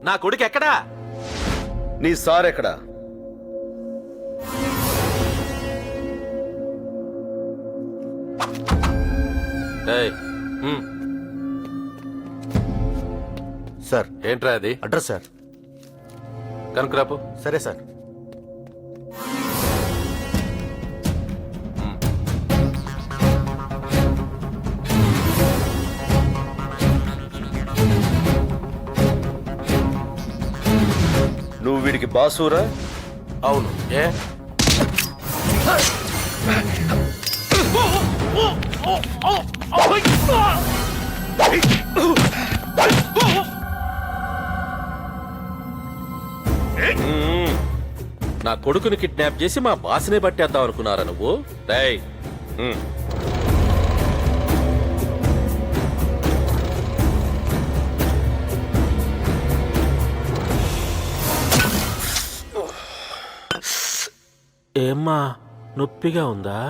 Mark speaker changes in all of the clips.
Speaker 1: నా కొడుకు ఎక్కడా?
Speaker 2: నీ సార్ ఎక్కడా?
Speaker 3: సార్
Speaker 1: ఏంట్రా అది?
Speaker 3: Address sir.
Speaker 1: కనుకరాపు.
Speaker 3: సరే సార్.
Speaker 2: నువ్వు వీడికి బాసూరా?
Speaker 1: అవును. ఏ నా కొడుకుని కిడ్నాప్ చేసి మా బాస్నే పట్టేద్దాం అనుకున్నారా నువ్వు? రేయ్, ఏమ్మా నొప్పిగా ఉందా?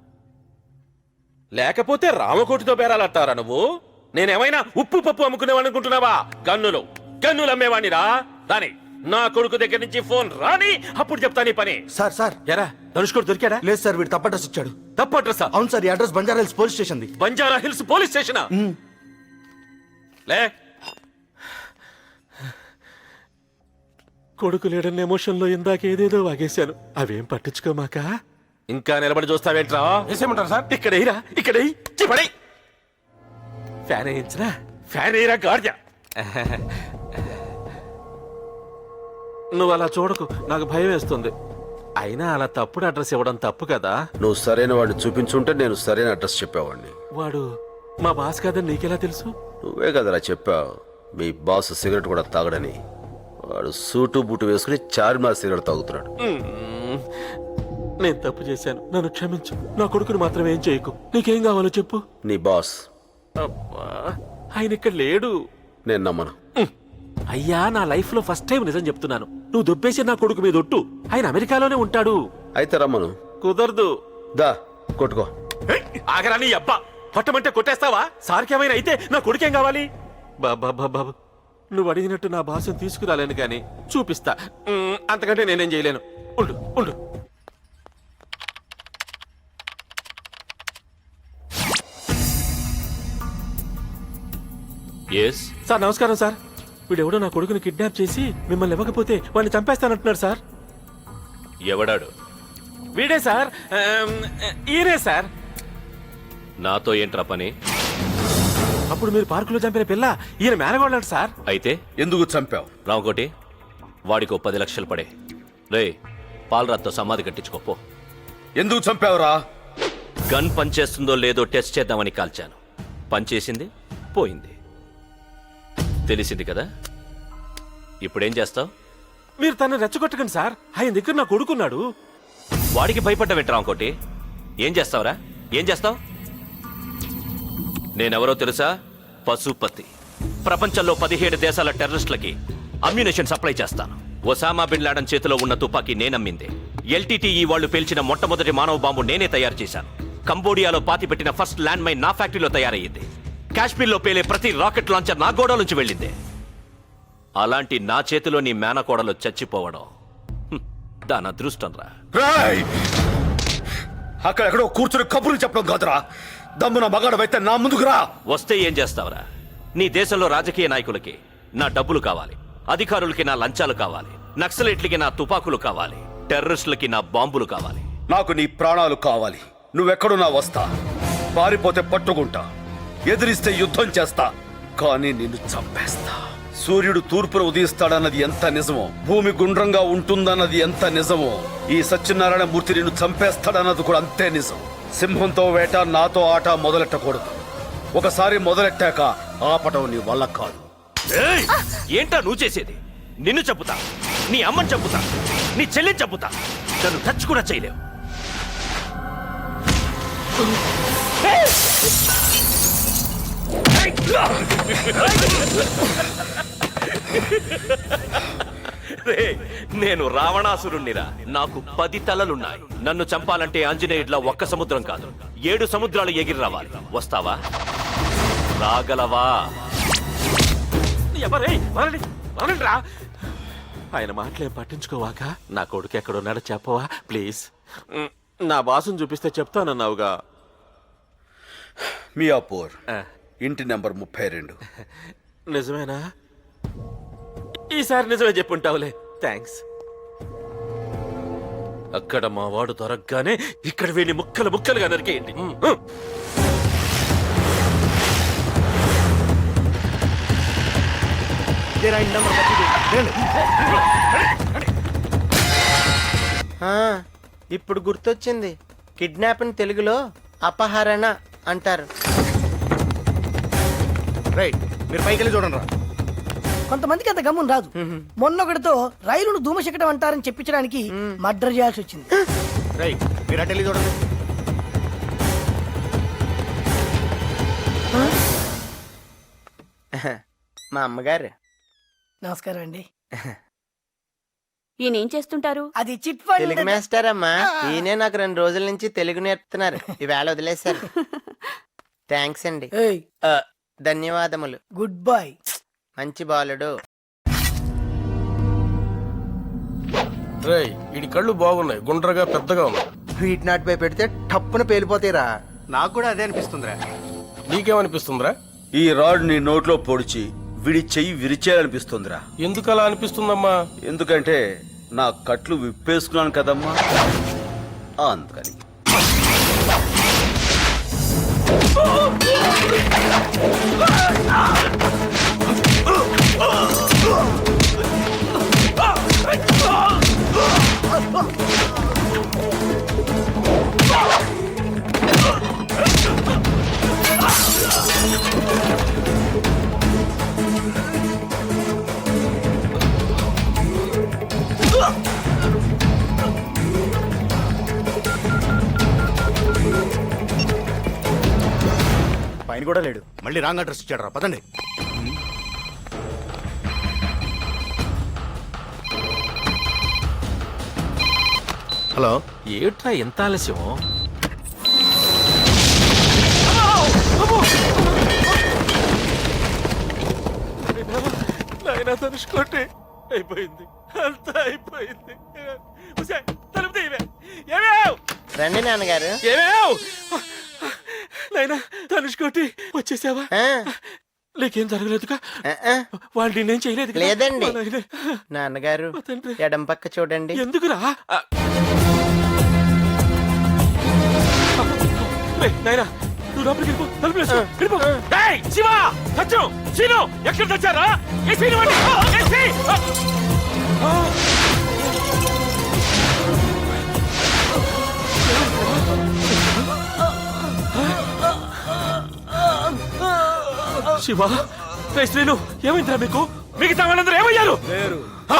Speaker 1: లేకపోతే రామకోటితో బేరాలంటారా నువ్వు? నేనేమైనా ఉప్పు పప్పు అమ్ముకునేవాడిని అనుకుంటున్నావా? గన్నులు అమ్మేవాణ్ణిరా. రాని నా కొడుకు దగ్గర నుంచి ఫోన్ రాని, అప్పుడు చెప్తా నీ పని.
Speaker 3: సార్ సార్
Speaker 1: ఎరా ధనుష్కోడు దొరికాడా?
Speaker 3: లేదు సార్, వీడు తప్పు అడ్రస్ ఇచ్చాడు.
Speaker 1: తప్పు అడ్రస్?
Speaker 3: అవును సార్, ఈ address Banjara Hills police station.
Speaker 1: Banjara Hills police స్టేషనా? లే, కొడుకు లేడన్న ఎమోషన్ లో ఇందాక ఏదేదో వాగేశాను. అవేం పట్టించుకోమాక. ఇంకా నిలబడి చూస్తావేంట్రా?
Speaker 4: వేసేయమంటారు సార్?
Speaker 1: ఇక్కడ ఫ్యాన్ వేయించరా? ఫ్యాన్ వేయరా గాడిద. నువ్వు అలా చూడకు, నాకు భయం వేస్తుంది. అయినా అలా తప్పుడు అడ్రస్ ఇవ్వడం తప్పు కదా.
Speaker 2: నువ్వు సరైన వాడిని చూపించుంటే నేను సరైన అడ్రస్ చెప్పేవాడిని.
Speaker 1: వాడు మా బాస్ కాదని నీకెలా తెలుసు?
Speaker 2: నువ్వే కదరా చెప్పావు మీ బాస్ సిగరెట్ కూడా తాగడని. వాడు సూటు బూటు వేసుకుని చార్మినార్ సిగరెట్ తాగుతున్నాడు.
Speaker 1: నేను తప్పు చేశాను, నన్ను క్షమించు. నా కొడుకుని మాత్రం ఏం చేయకు. నీకేం కావాలో చెప్పు.
Speaker 2: నీ బాస్
Speaker 1: అబ్బా, ఆయన ఇక్కడ లేడు.
Speaker 2: నేను నమ్మను.
Speaker 1: అయ్యా, నా లైఫ్ లో ఫస్ట్ టైం నిజం చెప్తున్నాను. నువ్వు దొబ్బేసి నా కొడుకు మీద ఒట్టు. ఆయన అమెరికాలోనే ఉంటాడు.
Speaker 2: అయితే రమ్మను.
Speaker 1: కుదరదు.
Speaker 2: దా కొట్టుకో.
Speaker 1: ఆగరా నీ అబ్బా. కొట్టమంటే కొట్టేస్తావా? సార్కేమైనా అయితే నా కొడుకేం కావాలి? బాబా, నువ్వు అడిగినట్టు నా భాషను తీసుకురాలేను కానీ చూపిస్తా. అంతకంటే నేనేం చేయలేను. ఉండు. సార్ నమస్కారం సార్. వీడెవడో నా కొడుకుని కిడ్నాప్ చేసి మిమ్మల్ని ఇవ్వకపోతే వాడిని చంపేస్తానంటున్నాడు సార్.
Speaker 5: ఎవడాడు?
Speaker 1: వీడే సార్. ఈయనే సార్.
Speaker 5: నాతో ఏంట్రా పని?
Speaker 1: అప్పుడు మీరు పార్కులో చంపిన పిల్ల ఈయన మేనగోళ్ళాడు సార్.
Speaker 5: అయితే
Speaker 2: ఎందుకు చంపావు?
Speaker 5: రామకోటి, వాడికి 10 లక్షలు పడే. రే, పాలరాత్తో సమాధి కట్టించుకోపో.
Speaker 2: ఎందుకు చంపావురా?
Speaker 5: గన్ పనిచేస్తుందో లేదో టెస్ట్ చేద్దామని కాల్చాను. పనిచేసింది, పోయింది. తెలిసింది కదా. ఇప్పుడేం చేస్తావు?
Speaker 1: మీరు తనని రెచ్చగొట్టకండి సార్. ఆయన దగ్గర నా కొడుకున్నాడు.
Speaker 5: వాడికి భయపడ్డావేంటి రామకోటి? ఏం చేస్తావురా? ఏం చేస్తావు? నేనెవరో తెలుసా? పశుపతి. ప్రపంచంలో 17 దేశాల టెర్రరిస్టులకి అమ్యునేషన్ సప్లై చేస్తాను. ఒసామా బిన్ లాడెన్ చేతిలో ఉన్న తుపాకీ నేనమ్మింది. LTTE వాళ్ళు పేల్చిన మొట్టమొదటి మానవ బాంబు నేనే తయారు చేశాను. కంబోడియాలో పాతిపెట్టిన ఫస్ట్ ల్యాండ్ మైన్ నా ఫ్యాక్టరీలో తయారయ్యింది. కాశ్మీర్లో పేలే ప్రతి రాకెట్ లాంచర్ నా గోడ నుంచి వెళ్ళింది. అలాంటి నా చేతిలో నీ మేనకోడలు చచ్చిపోవడం దాని అదృష్టం రా.
Speaker 2: అక్కడెక్కడో కూర్చుని కబుర్లు చెప్పడం కాదురా. దమ్మున మగాడవైతే నా ముందుకు రా.
Speaker 5: వస్తే ఏం చేస్తావురా? నీ దేశంలో రాజకీయ నాయకులకి నా డబ్బులు కావాలి, అధికారులకి నా లంచాలు కావాలి, నక్సలైట్లకి నా తుపాకులు కావాలి, టెర్రరిస్టులకి నా బాంబులు కావాలి.
Speaker 2: నాకు నీ ప్రాణాలు కావాలి. నువ్వెక్కడున్నా వస్తా. పారిపోతే పట్టుకుంటా, ఎదిరిస్తే యుద్ధం చేస్తా, కానీ నిన్ను చంపేస్తా. సూర్యుడు తూర్పున ఉదయిస్తాడన్నది ఎంత నిజమో, భూమి గుండ్రంగా ఉంటుందన్నది ఎంత నిజమో, ఈ సత్యనారాయణ మూర్తి నిన్ను చంపేస్తాడన్నది కూడా అంతే నిజం. సింహంతో వేట, నాతో ఆట మొదలెట్టకూడదు. ఒకసారి మొదలెట్టాక ఆపటం నీ వల్ల కాదు.
Speaker 5: ఏంటా నువ్వు చేసేది? నిన్ను చంపుతా, నీ అమ్మని చంపుతా, నీ చెల్లిని చంపుతా. నన్ను టచ్ కూడా చేయలేవు. నేను రావణాసురుణ్ణిరా. నాకు 10 తలలున్నాయి. నన్ను చంపాలంటే ఆంజనేయుడిలా ఒక్క సముద్రం కాదు, 7 సముద్రాలు ఎగిరి రావాలి. వస్తావా? రాగలవా?
Speaker 1: అవునండ్రా. ఆయన మాటలేం పట్టించుకోవాక నా కొడుకు ఎక్కడున్నాడో చెప్పవా ప్లీజ్. నా బాసుని చూపిస్తే చెప్తానన్నావుగా.
Speaker 2: మియాపూర్
Speaker 1: ఆ,
Speaker 2: ఇంటి నెంబర్ 32.
Speaker 1: నిజమేనా? ఈసారి నిజమే చెప్పుంటావులే. థ్యాంక్స్. అక్కడ మా వాడు దొరకగానే ఇక్కడ వీడిని ముక్కలు ముక్కలుగా నరికేయండి.
Speaker 4: ఇప్పుడు గుర్తొచ్చింది. కిడ్నాప్ అని తెలుగులో అపహరణ అంటారు.
Speaker 3: రైట్, మీరు పైకి వెళ్ళి చూడండి రా.
Speaker 6: కొంతమందికి అంత గమ్మున రాదు. మొన్నొకటితో రైలును ధూమశకటం అంటారని చెప్పించడానికి మర్డర్ చేయాల్సి వచ్చింది.
Speaker 3: రైట్, మీరు అటు వెళ్ళి చూడండి.
Speaker 4: మా అమ్మగారు.
Speaker 6: నమస్కారం అండి.
Speaker 7: ఈయనేం చేస్తుంటారు?
Speaker 6: అది చిట్ ఫండ్.
Speaker 4: తెలుగు మాస్టర్ అమ్మా. ఈయనే నాకు 2 రోజుల నుంచి తెలుగు నేర్పుతున్నారు. ఈవేళ వదిలేశారు. థ్యాంక్స్ అండి.
Speaker 6: ఏయ్,
Speaker 4: ధన్యవాదములు.
Speaker 6: Good boy.
Speaker 4: మంచి బాలుడు.
Speaker 8: రేయ్ ఇడి కళ్ళు బాగున్నాయి, గుండ్రగా పెద్దగా ఉన్నాయి.
Speaker 4: వీటి నాటిపై పెడితే టప్పున పేలిపోతాయిరా.
Speaker 3: నాకు కూడా అదే అనిపిస్తుందిరా.
Speaker 8: నీకేమనిపిస్తుందిరా?
Speaker 2: ఈ రాడ్ నీ నోట్లో పొడిచి విడి చెయ్యి విరిచేయాలనిపిస్తుందిరా.
Speaker 8: ఎందుకు అలా అనిపిస్తుందమ్మా?
Speaker 2: ఎందుకంటే నా కట్లు విప్పేసుకున్నాను కదమ్మా, అందుకని.
Speaker 3: పైన కూడా లేడు, మళ్ళీ రాంగ్ అడ్రస్ ఇచ్చాడు రా. పదండి. హలో,
Speaker 1: ఏట్రా ఎంత ఆలస్యం? నాయనా తనుచుకోండి. అయిపోయింది, అంతా అయిపోయింది. ఉసేయ్, తలుపు తీయవే. ఏమేవ్?
Speaker 4: రండి నాన్నగారు.
Speaker 1: ఏమేవ్? నాయనా తనుచుకోండి, వచ్చేసావా?
Speaker 4: ఆ,
Speaker 1: నీకేం జరగలేదుగా?
Speaker 4: ఆ, ఆ.
Speaker 1: వాళ్ళు నేనేం చేయలేదు కదా?
Speaker 4: లేదండి.
Speaker 1: మా నాయనే.
Speaker 4: నాన్నగారు
Speaker 1: మా తండ్రి.
Speaker 4: ఎడం పక్క చూడండి.
Speaker 1: ఎందుకురా? రేయ్, నాయనా నువ్వు లోపలికి వెళ్ళిపో, తలుపు వేసుకో, వెళ్ళిపో. డేయ్, శివ, సత్యం, శీను, ఎక్కడ తెచ్చారా? ఏ శీను వాడి? ఏ శీ! శివ, రేయ్ శ్రీను, ఏమైందిరా మీకు? మిగతా వాళ్ళందరూ ఏమయ్యారు? ఆ?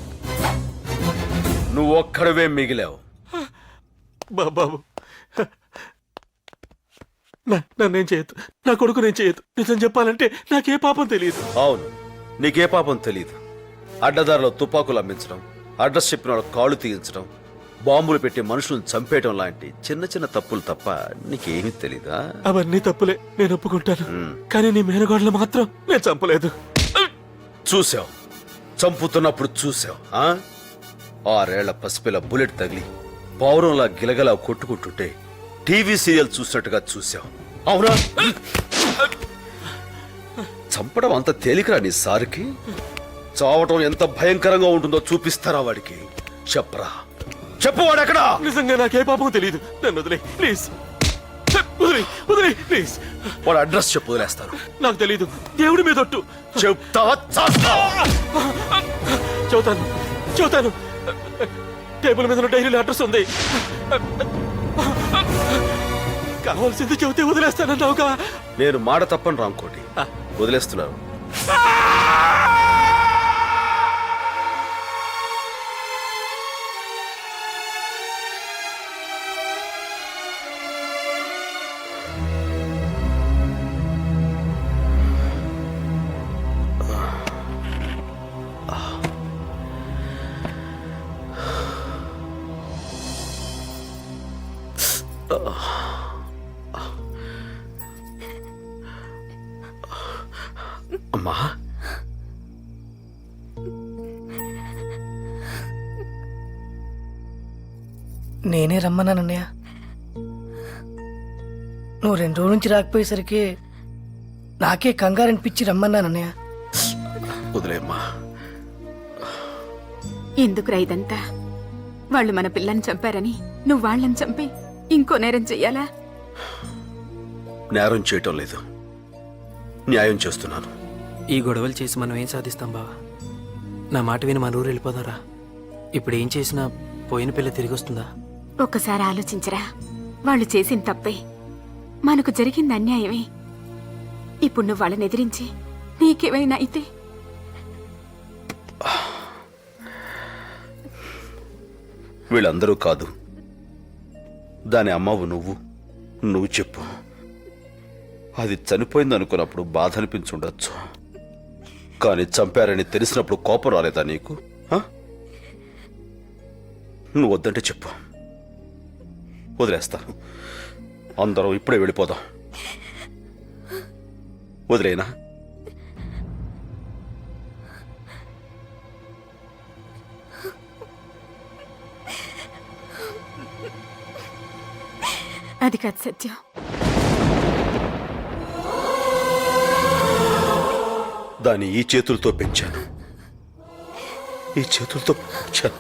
Speaker 2: నువ్వు ఒక్కడవే మిగిలావు.
Speaker 1: బాబు, నన్నేం చేయొద్దు, నా కొడుకు నేను చేయొద్దు. నిజం చెప్పాలంటే నాకే పాపం తెలియదు.
Speaker 2: అవును, నీకే పాపం తెలీదు. అడ్డదారిలో తుపాకులు అమ్మించడం, అడ్రస్ చెప్పిన వాళ్ళ కాళ్ళు తీయించడం, బాంబులు పెట్టి మనుషులను చంపేయడం లాంటి చిన్న చిన్న తప్పులు తప్ప నీకేమీ తెలీదా?
Speaker 1: అవన్నీ తప్పులే, నేను ఒప్పుకుంటాను. కానీ నీ మేనగోడలు మాత్రం నేను చంపలేదు.
Speaker 2: చూసావు, చంపుతున్నప్పుడు చూసావు. 6 ఏళ్ల పసిపిల్ల బుల్లెట్ తగిలి పౌరంలా గిలగలా కొట్టుకుంటుంటే టీవీ సీరియల్ చూసినట్టుగా చూసావు. అవునా? చంపడం అంత తేలికరా నీ సారికి? చావటం ఎంత భయంకరంగా ఉంటుందో చూపిస్తారా వాడికి? చెప్పరా, చెప్పు, వాడెక్కడా?
Speaker 1: నిజంగా నాకే పాపం తెలియదు. నన్ను వదిలే ప్లీజ్, వదిలే ప్లీజ్.
Speaker 2: వాడు అడ్రస్ చెప్పు, వదిలేస్తాను.
Speaker 1: నాకు తెలీదు, దేవుడి మీద ఒట్టు.
Speaker 2: చెప్తావా చేస్తావా?
Speaker 1: చూతాను. టేబుల్ మీద డైరీలో అడ్రస్ ఉంది. కావాల్సింది చెబితే వదిలేస్తానన్నావుగా.
Speaker 2: నేను మాట తప్పని రాంకోటి, వదిలేస్తున్నాను. అమ్మా,
Speaker 6: నేనే రమ్మన్నానన్నయ్య. నువ్వు 2 రోజుల నుంచి రాకపోయేసరికి నాకే కంగారు అనిపించి రమ్మన్నానన్నయ్య.
Speaker 2: వదిలేమ్మా.
Speaker 7: ఎందుకురా ఇదంతా? వాళ్ళు మన పిల్లని చంపారని నువ్వు వాళ్ళని చంపి ఇంకో నేరం చెయ్యాలా?
Speaker 2: నేరం చేయటం లేదు, న్యాయం చేస్తున్నాను.
Speaker 9: ఈ గొడవలు చేసి మనం ఏం సాధిస్తాం బావా? నా మాట విని మన ఊరు వెళ్ళిపోదారా? ఇప్పుడు ఏం చేసినా పోయిన పిల్ల తిరిగి వస్తుందా?
Speaker 7: ఒక్కసారి ఆలోచించరా. వాళ్ళు చేసిన తప్పే, మనకు జరిగింది అన్యాయమే. ఇప్పుడు నువ్వు వాళ్ళని ఎదిరించి నీకేమైనా అయితే
Speaker 2: వీళ్ళందరూ కాదు, దాని అమ్మవు నువ్వు చెప్పు. అది చనిపోయింది అనుకున్నప్పుడు బాధ అనిపించుండొచ్చు, కానీ చంపారని తెలిసినప్పుడు కోపం రాలేదా నీకు? ఆ? నువ్వు వద్దంటే చెప్పు, వదిలేస్తాను. అందరం ఇప్పుడే వెళ్ళిపోదాం. వదిలేనా?
Speaker 7: అది కాదు సత్యం.
Speaker 2: దాన్ని ఈ చేతులతో పెంచాను, ఈ చేతులతో పెంచాను.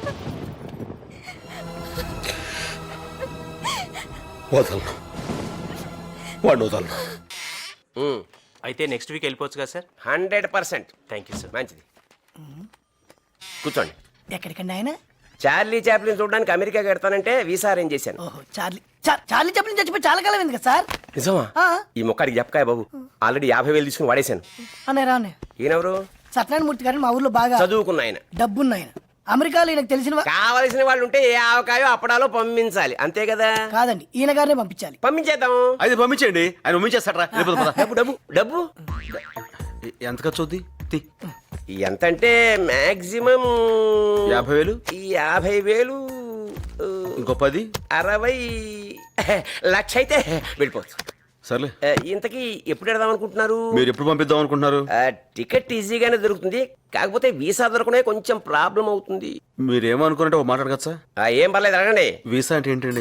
Speaker 2: వదలను, వాడిని వదలను.
Speaker 9: అయితే నెక్స్ట్ వీక్ వెళ్ళిపోవచ్చు కదా సార్?
Speaker 10: 100%.
Speaker 9: Thank you sir.
Speaker 10: మంచిది, కూర్చోండి.
Speaker 6: ఎక్కడికండి ఆయన?
Speaker 10: చార్లీ చాప్లిన్ చూడడానికి అమెరికాకి వెడతానంటే వీసా అరేంజ్ చేశాను.
Speaker 6: ఓహో, చార్లీ చెప్పిన చచ్చిపోయి చాలా కాలం అయింది కదా సార్.
Speaker 10: నిజమా?
Speaker 6: ఆ.
Speaker 10: ఈ మొక్కడికి చెప్పకాయ బాబు, ఆల్రెడీ 50,000 తీసుకుని వాడేశాను.
Speaker 6: అన్నయ్య రానే
Speaker 10: ఈయనెవరు?
Speaker 6: సత్యనారాయణమూర్తి గారిని మా ఊర్లో బాగా
Speaker 10: చదువుకున్న ఆయన.
Speaker 6: డబ్బున్న ఆయన. అమెరికాలో ఈయనకు తెలిసిన
Speaker 10: కావలసిన వాళ్ళు ఉంటే ఏ ఆవకాయో అప్పడాలో పంపించాలి, అంతే కదా?
Speaker 6: కాదండి, ఈయన గారినే పంపించాలి.
Speaker 10: పంపించేద్దాం.
Speaker 2: అయితే పంపించండి, ఆయన పంపించేస్తారా?
Speaker 10: డబ్బు డబ్బు డబ్బు
Speaker 2: ఎంత ఖర్చు అవుద్ది?
Speaker 10: ఎంత అంటే మాక్సిమం
Speaker 2: 50,000.
Speaker 10: 50,000,
Speaker 2: ఇంకో 10.
Speaker 10: 60 లక్ష అయితే వెళ్ళిపోవచ్చు.
Speaker 2: సర్లే,
Speaker 10: ఇంతకీ ఎప్పుడు వెడదాం అనుకుంటున్నారు?
Speaker 2: మీరు ఎప్పుడు పంపిద్దాం అనుకుంటున్నారు?
Speaker 10: టికెట్ ఈజీగానే దొరుకుతుంది, కాకపోతే వీసా దొరకనే కొంచెం ప్రాబ్లం అవుతుంది.
Speaker 2: మీరేమనుకున్నట్టు మాట్లాడగచ్చా సార్?
Speaker 10: ఏం పర్లేదు, అడగండి.
Speaker 2: వీసా అంటే ఏంటండి?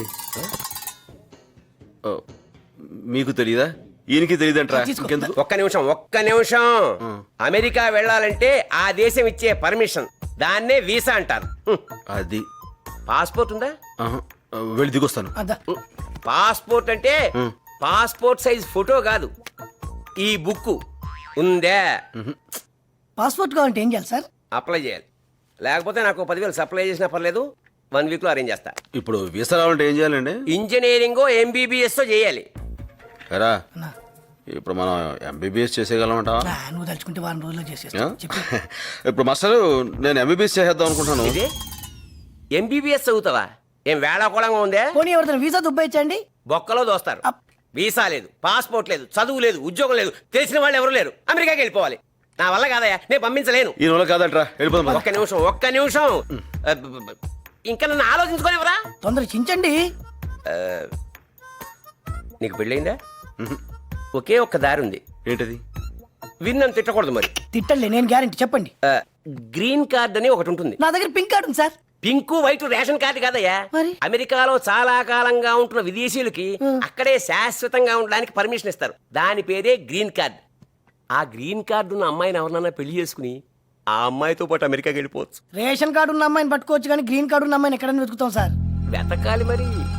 Speaker 2: ఓ, మీకు తెలియదా? ఈయనకి తెలియదంటారా? ఇంకెందుకు?
Speaker 10: ఒక్క నిమిషం. అమెరికా వెళ్ళాలంటే ఆ దేశం ఇచ్చే పర్మిషన్, దాన్నే వీసా అంటారు.
Speaker 2: అది
Speaker 10: పాస్పోర్ట్ ఉందా?
Speaker 2: ఆహా, వెళ్ళి దిగొస్తాను.
Speaker 6: అదా
Speaker 10: పాస్పోర్ట్ అంటే పాస్పోర్ట్ సైజ్ ఫోటో కాదు, ఈ బుక్ ఉందే.
Speaker 6: పాస్పోర్ట్ కావాలంటే ఏం చేయాలి సార్?
Speaker 10: అప్లై చేయాలి, లేకపోతే నాకు 10,000 సప్లై చేసినా పర్లేదు, 1 వీక్ లో అరేంజ్ చేస్తా.
Speaker 2: ఇప్పుడు వీసా రావాలంటే ఏం చేయాలండి?
Speaker 10: ఇంజనీరింగ్ MBBS చేయాలి.
Speaker 2: ఎరా,
Speaker 6: అన్నా.
Speaker 2: ఇప్పుడు మనం MBBS చేసేయగలమంట?
Speaker 6: నువ్వు తలుచుకుంటే 1 రోజుల్లో చేసేస్తా. చెప్పు.
Speaker 2: ఇప్పుడు మాస్టర్, నేను MBBS చేసేద్దాం అనుకుంటున్నాను.
Speaker 10: ఇది MBBS చదువుతావా? ఏం వేళాకోళంగా ఉందే?
Speaker 6: పోనీ ఎవరితో వీసా దుబ్బాయించండి.
Speaker 10: బొక్కలో దోస్తారు.
Speaker 6: అప్.
Speaker 10: వీసా లేదు, పాస్పోర్ట్ లేదు, చదువు లేదు, ఉద్యోగం లేదు, తెలిసిన వాళ్ళు ఎవరు లేరు, అమెరికాకి వెళ్ళిపోవాలి. నా వల్ల కాదయ్యా, నేను పంపించలేను.
Speaker 2: ఈ నెల కాదంటరా, వెళ్ళిపోదాం.
Speaker 10: ఒక్క నిమిషం. ఇంకా నన్ను ఆలోచించుకోనివరా?
Speaker 6: తొందర చించండి.
Speaker 10: నీకు పెళ్ళయిందా? ఒకే ఒక్క దారి ఉంది.
Speaker 2: ఏంటది?
Speaker 10: విన్నని తిట్టకూడదు మరి.
Speaker 6: తిట్టలే, నేను గ్యారెంటీ. చెప్పండి.
Speaker 10: గ్రీన్ కార్డ్ అని ఒకటి ఉంటుంది.
Speaker 6: నా దగ్గర పింక్ కార్డు ఉంది సార్.
Speaker 10: పింక్ వైట్ రేషన్ కార్డు కాదయ్యా.
Speaker 6: మరి?
Speaker 10: అమెరికాలో చాలా కాలంగా ఉంటున్న విదేశీయులకి అక్కడే శాశ్వతంగా ఉండడానికి పర్మిషన్ ఇస్తారు, దాని పేరే గ్రీన్ కార్డ్. ఆ గ్రీన్ కార్డు ఉన్న అమ్మాయిని ఎవరినన్నా పెళ్లి చేసుకుని ఆ అమ్మాయితో పాటు అమెరికాకి వెళ్ళిపోవచ్చు.
Speaker 6: రేషన్ కార్డు ఉన్న అమ్మాయిని పట్టుకోవచ్చు, కానీ గ్రీన్ కార్డు ఉన్న అమ్మాయిని ఎక్కడైనా వెతుకుతాం సార్.
Speaker 10: వెతకాలి మరి.